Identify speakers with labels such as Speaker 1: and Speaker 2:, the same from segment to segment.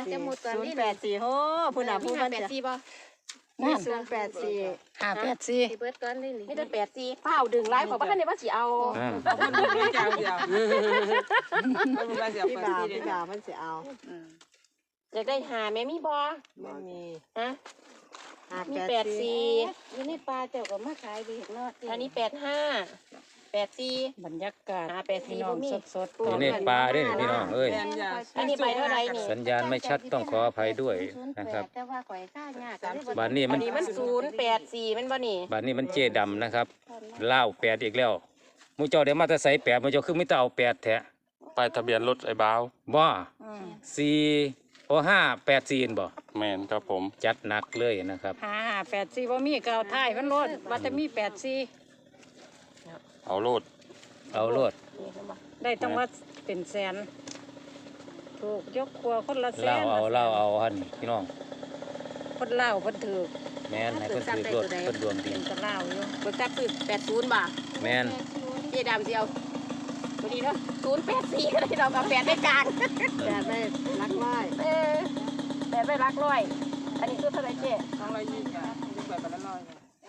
Speaker 1: จะหมดตอนนี้
Speaker 2: 084โอ้ผู้น่ะผู้มันจะ
Speaker 1: 84บ่
Speaker 2: นี่084
Speaker 1: 584เบิดก่อนนี่นี่ได้84เฝ้าดึงไล่ของบ่ทันได้ว่าสิเอา
Speaker 3: มันมีเจ้าเดียวมันมีเสีย
Speaker 2: พี่
Speaker 3: ไป
Speaker 2: บ่าว
Speaker 3: ที่
Speaker 2: พี่บ่าวมันสิเอา
Speaker 1: อยากได้หาแม่มีบ่
Speaker 2: บ่มี
Speaker 1: ฮะมี84อยู่ในป่าเจ้าก็มาขายดีเนาะอันนี้85 84
Speaker 4: บรรยากาศ
Speaker 1: พี่น้องสด
Speaker 5: อยู่ในป่าด้วยพี่น้องเอ้ย
Speaker 1: อันนี้ใบเท่าไรนี่
Speaker 5: สัญญาณไม่ชัดต้องขออภัยด้วยนะครับ
Speaker 1: แต่ว่าข่อยค่ายาก
Speaker 5: บ้านนี้
Speaker 1: อั
Speaker 5: มัน น
Speaker 1: นี้มัน084มันบ่นี่
Speaker 5: บ้านนี้มันเจดำนะครับเล่า8อีกแล้วมูเจ้าเดี๋ยวมาแต่ใส่8มูเจ้าคือไม่ต้องเอา8แท้
Speaker 6: ป้ายทะเบียนรถไอ้บ้าว
Speaker 5: บ่4โอ้584บ่
Speaker 6: แมนครับผม
Speaker 5: จัดหนักเลยนะครับ
Speaker 4: 584บ่มีก็เอาท้ายมันโลดว่าจะมี84
Speaker 6: เอาโลด
Speaker 5: เอาโลด
Speaker 4: ได้ต้องว่าเป็นแสนถูกยกครัวคนละแสน
Speaker 5: เล่าเอาหันพี่น้อง
Speaker 4: คนเล่าคนถือ
Speaker 5: แม่นให้เพิ่นถือรถเพิ่นดวงดี
Speaker 4: เป็นก็เล่าอยู่
Speaker 1: เบิกทรัพย์คือ80บาท
Speaker 5: แม่น
Speaker 1: เจ๊ดำสิเอาพอดีเนาะ084ก็ได้เรากับ8ได้กลาง
Speaker 2: แต่ได้รักร้อย
Speaker 1: 8ได้รักร้อยอันนี้คือเท่าไหร่เจ๊
Speaker 3: 220จ้ะดูแบบละร้อย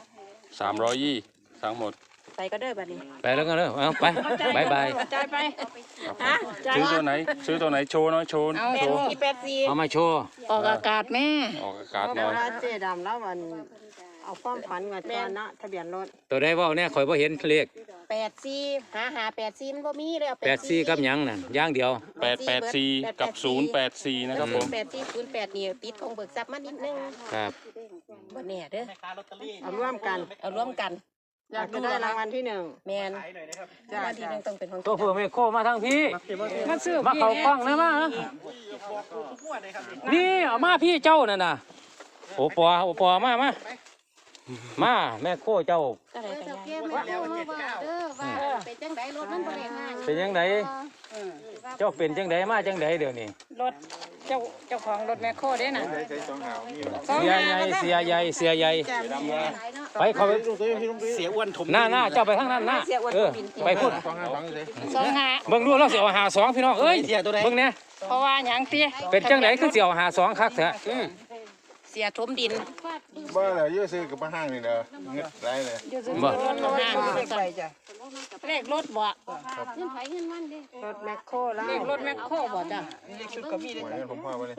Speaker 6: 320ทั้งหมด
Speaker 1: ใส่ก็เด้อบัดนี้
Speaker 5: ไปแล้วกันเด้อเอาไปบายบาย
Speaker 4: จ่ายไป
Speaker 1: ฮะ
Speaker 6: ซื้อตัวไหนโชว์หน้อยโชว์
Speaker 4: เอา
Speaker 6: โชว์
Speaker 1: 84
Speaker 5: เอามาโชว์
Speaker 4: ออกอากาศแม่
Speaker 6: ออกอากาศ
Speaker 2: เพ
Speaker 6: หน่อ
Speaker 2: ราะ
Speaker 6: ย
Speaker 2: ว่าเจ๊ดำแล้วมันเอาความฝันมาตอนนะทะเบียนรถ
Speaker 5: ตัวได้เว้าเนี่ยข่อยบ่เห็นเลข
Speaker 1: 84หา84มันบ่มีเลยเอา
Speaker 5: 84กับหยังนั่นอย่างเดียว
Speaker 6: 884กับ084นะครับผม
Speaker 1: 8408นี่ติดของเบิกทรัพย์มานิดนึง
Speaker 5: ครับ
Speaker 1: บ่แน่เด้อ
Speaker 2: เอาร่วมกัน
Speaker 1: เอาร่วมกัน
Speaker 2: อยากจะได้รางวัลที่1
Speaker 1: แม่นรางวัลที่1ต้องเป็นของ
Speaker 5: ตัวเพื่อไม่โคมาทางพี่
Speaker 4: มาซื้อ
Speaker 5: มาเข้ากล้องนะมานี่เอามาพี่เจ้านั่นน่ะโอปอมาแม่โคเจ้า
Speaker 1: ก็ได้กันยายว่าเป็นจังไดรถมันบ่ได้ห่าง
Speaker 5: เป็นยังไงเจ้าเป็นจังไดมาจังไดเดี๋ยวนี้
Speaker 4: รถเจ้าของรถแมคโครเด้น่ะ
Speaker 5: เสียใหญ่ไปเขาไป
Speaker 7: เสียอ้วนถม
Speaker 5: หน้าเจ้าไปข้างนั้นหน้าไปพูด
Speaker 4: 25
Speaker 5: เบิ่งดูเราเสียวหาสองพี่น้องเอ้ยเบิ่งเนี่ย
Speaker 4: เพราะว่าหยังติ
Speaker 5: เป็นจังไดคือเสียวหาสองคักแท้
Speaker 1: เสียถมดิน
Speaker 7: บ้าเลยยืดซื้อกับมาห้างนี่เด้อเงือกไรเลย
Speaker 5: บ่
Speaker 4: เลขรถบ่
Speaker 2: รถแมคโครแล้ว
Speaker 4: เลขรถแมคโครบ่จ้ะ
Speaker 7: ชุดกับมีดผมพาไปเลย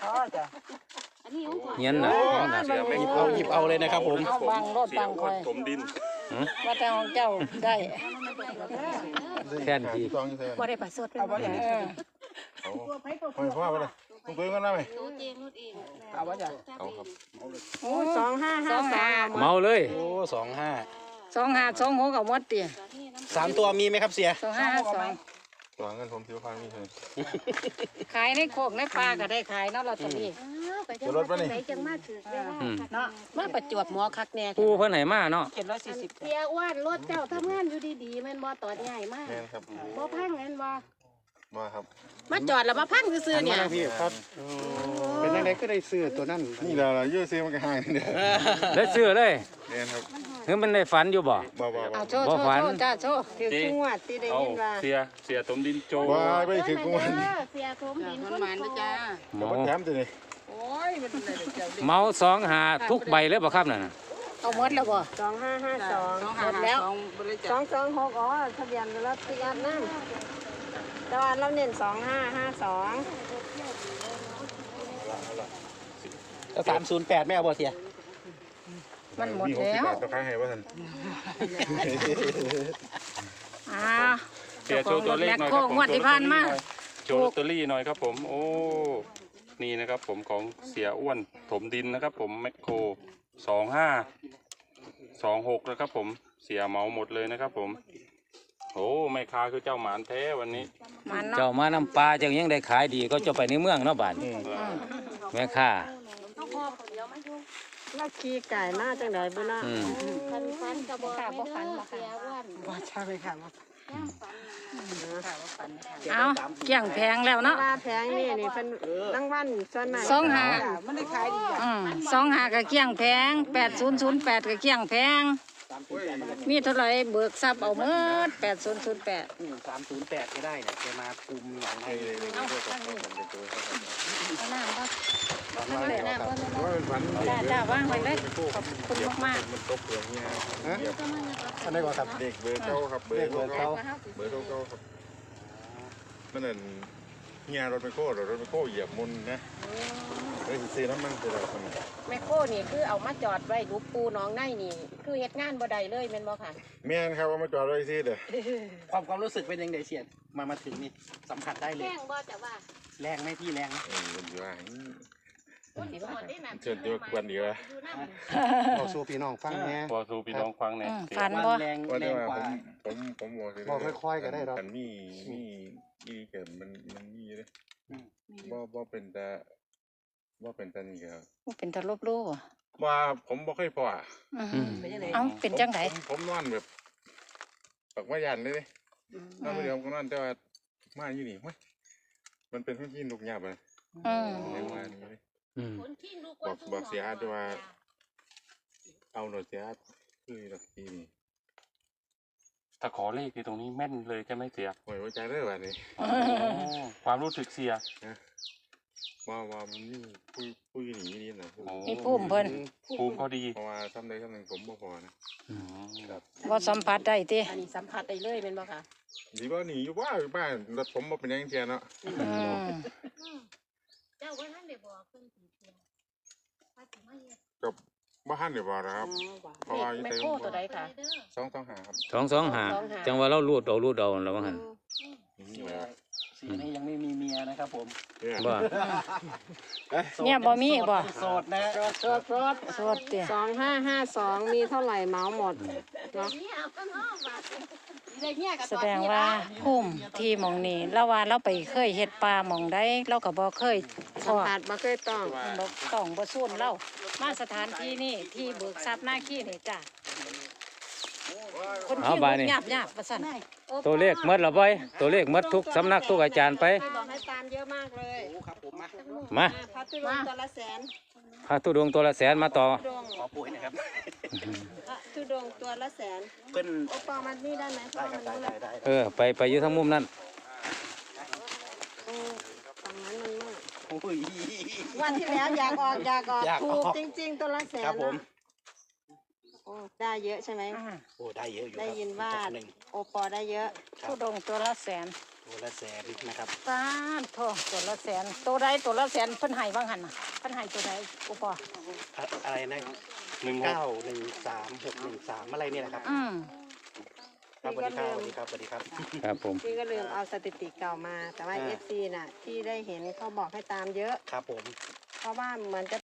Speaker 5: เงี้ยน่ะ
Speaker 7: หยิบเอาเลยนะครับผม
Speaker 4: เอาบังรถบังคอย
Speaker 6: ถมดิน
Speaker 4: ว่าแต่ของเจ้าได้
Speaker 5: แค่นที
Speaker 7: ซองอยู่ใส่
Speaker 1: บ่ได้ประสดเป็นบ่ได้
Speaker 7: เอาพ่อไปเลยต้องปืนกันได้ไหม
Speaker 3: เอาว่าจ้ะ
Speaker 6: เอาครับ
Speaker 4: โอ้
Speaker 2: 2553
Speaker 5: เมาเลย
Speaker 7: โอ้25
Speaker 4: 2526เอาหมดติ
Speaker 7: 3 ตัวมีไหมครับเสีย
Speaker 4: 2552
Speaker 7: ตัวเงินผม10,000มีเลย
Speaker 4: ขายในโคกในป่าก็ได้ขายเนาะลอตเตอรี่
Speaker 7: รถป่ะนี่
Speaker 4: เนาะ
Speaker 1: มาประจวบหมอคักแน่
Speaker 5: ปูเพิ่นให้มาเนาะ
Speaker 3: 740
Speaker 1: เสียอ้วนรถเจ้าทำงานอยู่ดีๆแม่นบ่ตอดใหญ่มาก
Speaker 7: แม่นครับ
Speaker 1: บ่พังแม่นบ่
Speaker 7: มาครับ
Speaker 1: มาจอดแล้วมาพังซื่อๆเนี่ย
Speaker 7: พี่ครับ
Speaker 8: เป็นยังไงก็ได้ซื้อตัวนั้น
Speaker 7: นี่เรายืดซื้อมันก็ห่างนี่เด้อ
Speaker 5: ได้ซื้อเลย
Speaker 7: แม่นครับ
Speaker 5: คือมันได้ฝันอยู่บ่
Speaker 7: บ่
Speaker 4: เอาโชว์
Speaker 5: บ่ฝัน
Speaker 4: จ้าโชว์
Speaker 2: ถือจังหวัดที่ได้
Speaker 6: เอา
Speaker 2: ยินว่า
Speaker 6: เสียถมดินโจ
Speaker 7: บ่ไปถึงกูมัน
Speaker 1: เสียถมดิน
Speaker 3: คนหมานนะจ้า
Speaker 5: เมา
Speaker 7: แถมตัวนี้
Speaker 3: โอ้ยมันได้เจ้าดิ
Speaker 5: เมาสองหาทุกใบเลยบ่ครับนั่นน่ะ
Speaker 4: เอาหมดแล้วบ่
Speaker 2: 2552
Speaker 3: หมดแล้วบริจาค
Speaker 2: 226อ๋อทะเบียนรถติดนั่นแต่ว่าเราเน้น2552
Speaker 7: แล้ว308ไม่เอาบ่เสีย
Speaker 4: มันหมด
Speaker 7: มี
Speaker 4: แล้ว
Speaker 7: 60 บาทต่อครั้งให้ว่าท่าน
Speaker 6: เสียโชว์ตัวเลขหน่อยครับผม
Speaker 4: งวดที่ผ่านมา
Speaker 6: โชว์ลอตเตอรี่หน่อยครับผม โอ้ นี่นะครับผมของเสียอ้วนถมดินนะครับผมแมคโคร2526นะครับผมเสียเหมาหมดเลยนะครับผมโอ้แม่ค้าคือเจ้าหมานแท้วันนี้
Speaker 4: มัน
Speaker 5: เจ้า
Speaker 4: เนาะ
Speaker 5: มาน้ำปลาจังยังได้ขายดีก็เจ้าไปในเมืองเนาะบ้านแม่ค้า
Speaker 2: เราขี่ไก่มาจังได๋บ่ล่ะ
Speaker 1: ฟันกระบอกบ่ฟันบ่เสียอ้วน
Speaker 2: บ่ใช่ไหมค่ะ
Speaker 4: เอาเกี่ยงแพงแล้วเนาะ
Speaker 2: ว่าแพงนี่เพิ่นรางวัลส่วนมาก
Speaker 3: มันได้ขายดีอ่ะ
Speaker 4: 25ก็เกี่ยงแพง8008ก็เกี่ยงแพงมีเท่าไหร่เบิกทรัพย์เอาหมด8008
Speaker 7: 308ก็ได้เนี่ยจะมาคุมอย่างไรเลย
Speaker 1: เอาน้ำบ่
Speaker 8: ฝันว่าอะไรครับ
Speaker 7: ว่าเป็นฝัน
Speaker 4: จ้าว่างไว้เลยขอบคุณมาก
Speaker 7: มันตกเปลือกเนี่ย
Speaker 8: ฮะอันไหนก่อนครับ
Speaker 7: เด็กเบอร์เก้าครับเบอ
Speaker 8: เลข
Speaker 7: ร์
Speaker 8: เบอร์
Speaker 7: เก้า
Speaker 8: เขา
Speaker 7: เบอร์เก้าครับมันนั่นเฮียรถไมโครเหยียบมุนนะเลยซื้อน้ำมันคือเราคน
Speaker 1: แมคโครนี่คือเอามาจอดไว้ดูปูน้องในนี่คือเฮ็ดงานบ่ได้เลยแม่นบ่ค่ะ
Speaker 7: แม่นครับว่ามาจอดไว้ซื้อเด้อ
Speaker 3: ความรู้สึกเป็นยังไงเสียดมาถึงนี่สัมผัสได้เลย
Speaker 1: แจ้งบ่แต่ว่า
Speaker 3: แรงไหมพี่แรงไหม
Speaker 7: มันอยู่ว่า
Speaker 1: คนสิบ่ได้นั่น
Speaker 7: เชิญตัวกวนดีวะ
Speaker 8: เราสู้พี่น้องฟังแน่
Speaker 6: พอสู่พี่น้องฟังเนี่ย
Speaker 4: ฝันบ่
Speaker 3: แรง
Speaker 7: ว่า
Speaker 3: แร
Speaker 7: แต่
Speaker 3: ง
Speaker 7: ว่าก
Speaker 3: ว่า
Speaker 7: ผม
Speaker 8: บอกค่อยๆก็ได้หรอก
Speaker 7: กันมีเกิดมันมีเลยบ่เป็นแต่นี่ครับ
Speaker 4: เป็นตะลบลู่บ่
Speaker 7: ว่าผมบ่เคยพอ
Speaker 4: เอ้าเป็นจังได
Speaker 7: ผมนอนแบบปักว่ายันเลยนอนไปเดียวก็นอนแต่ว่ามาอยู่นี่มันเป็นพื้นที่ลูกหยาบเลยเรียกว่านี่เลย บอกเสียอาร์ตว่าเอาหน่อยเสียอาร์ตคือหลักทีนี่
Speaker 6: ถ้าขอเลขที่ตรงนี้แม่นเลยจะไม่เสีย
Speaker 7: หวยไว้ใจได้แบบนี้
Speaker 6: ความรู้สึกเสีย
Speaker 7: ว่ามันนี่ผู้หญิงนี่นะ
Speaker 4: มีภูมิเพิ่น
Speaker 6: ภูมิเขาดี
Speaker 7: เพราะว่าทำได้ทำหนึ่งผมบ่พอนะ
Speaker 4: บ่สัมผัสได้ติ
Speaker 1: อันนี้สัมผัสได้เลยแม่นบ่ค่ะ
Speaker 7: ดีว่าหนีอยู่บ้านรถผมบ่เป็นยังเทียนเนาะ
Speaker 1: เจ้าว่านั่นได้บอกเพิ่นสิเที่ยว
Speaker 7: กับบ้านเดี๋ยวบอกนะครับเพราะว่าอยู่
Speaker 1: แมค
Speaker 7: เต็ม
Speaker 1: โครตัวใดค่ะ
Speaker 7: ต้องหาครับ
Speaker 5: 225จังว่าเรารูดเอาแล้วว่าหั่น
Speaker 7: นี่แหละ
Speaker 3: สีนี้ยังไม่มีเมียนะครับผม
Speaker 7: เนี่ย
Speaker 5: บ่
Speaker 4: เนี่ยบ่มีบ่
Speaker 3: โสดนะ
Speaker 4: สวดติ
Speaker 2: 2552มีเท่าไหร่เหมาหมดเนาะ
Speaker 4: แสดงว่าภูมิที่หม่องนี้เราว่าเราไปเคยเฮ็ดป่าหม่องใดเราก็บ่เคยพ
Speaker 2: สัม
Speaker 4: อ
Speaker 2: ผัสบ่เคยต้อง
Speaker 4: บ่ต้องบ่สู้เรามาสถานที่นี่ที่เบิกทรัพย์หน้าขี้นี่จ้ะคน
Speaker 5: เอา
Speaker 4: ที่
Speaker 5: บา
Speaker 4: บ่
Speaker 5: ดนี่
Speaker 4: หยาบว่าซั่น
Speaker 5: ตัวเลขหมดและบ่ตัวเลขหมดทุกสำนักทุกอาจารย์ไป
Speaker 2: บอกให้ตามเยอะมากเลย
Speaker 3: โอ้ครับผมมา
Speaker 5: มา
Speaker 2: พัตุรงตัวละแสน
Speaker 5: พระธุดงค์ตัวละแสนมาต่อ
Speaker 2: ทุดง
Speaker 3: ขอปุ๋ยหนะครับ
Speaker 2: ทุดงตัวละแสน
Speaker 3: เพิ่น
Speaker 2: โอปอมันนี่ได้ไหมเพราะมันมืด
Speaker 5: ไปอยู่ทั้งมุมนั้น
Speaker 2: ฝั่งนั้นมันมืด
Speaker 3: โอ้ย
Speaker 2: วันที่แล้วอยากออก
Speaker 3: อยากออก
Speaker 2: ถูกจริงๆตัวละแสน
Speaker 3: ครับผม
Speaker 2: โอ้ได้เยอะใช่ไหม
Speaker 3: โอ้ได้เยอะอยู่
Speaker 2: ได้ยินว่า
Speaker 3: หนึ่ง
Speaker 2: โอปอได้เยอะ
Speaker 4: ทุดงค์ตัวละแสน
Speaker 3: ตัวละแสนนะครับ
Speaker 4: สาธุตัวละแสนตัวใดตัวละแสนเพิ่นให้ว่างหั่นน่ะเพิ่นให้ตัวใดอุปอ
Speaker 3: อะไรนะ
Speaker 6: 16
Speaker 3: 913 613อะไรเนี่ยนะครับ ครับสวัสดีครับสวัสดีครับ
Speaker 5: ครับผม
Speaker 2: พี่ก็ลืมเอาสถิติเก่ามา แต่ว่า FC น่ะที่ได้เห็นเขาบอกให้ตามเยอะ
Speaker 3: ครับผม
Speaker 2: เพราะว่าเหมือนจะ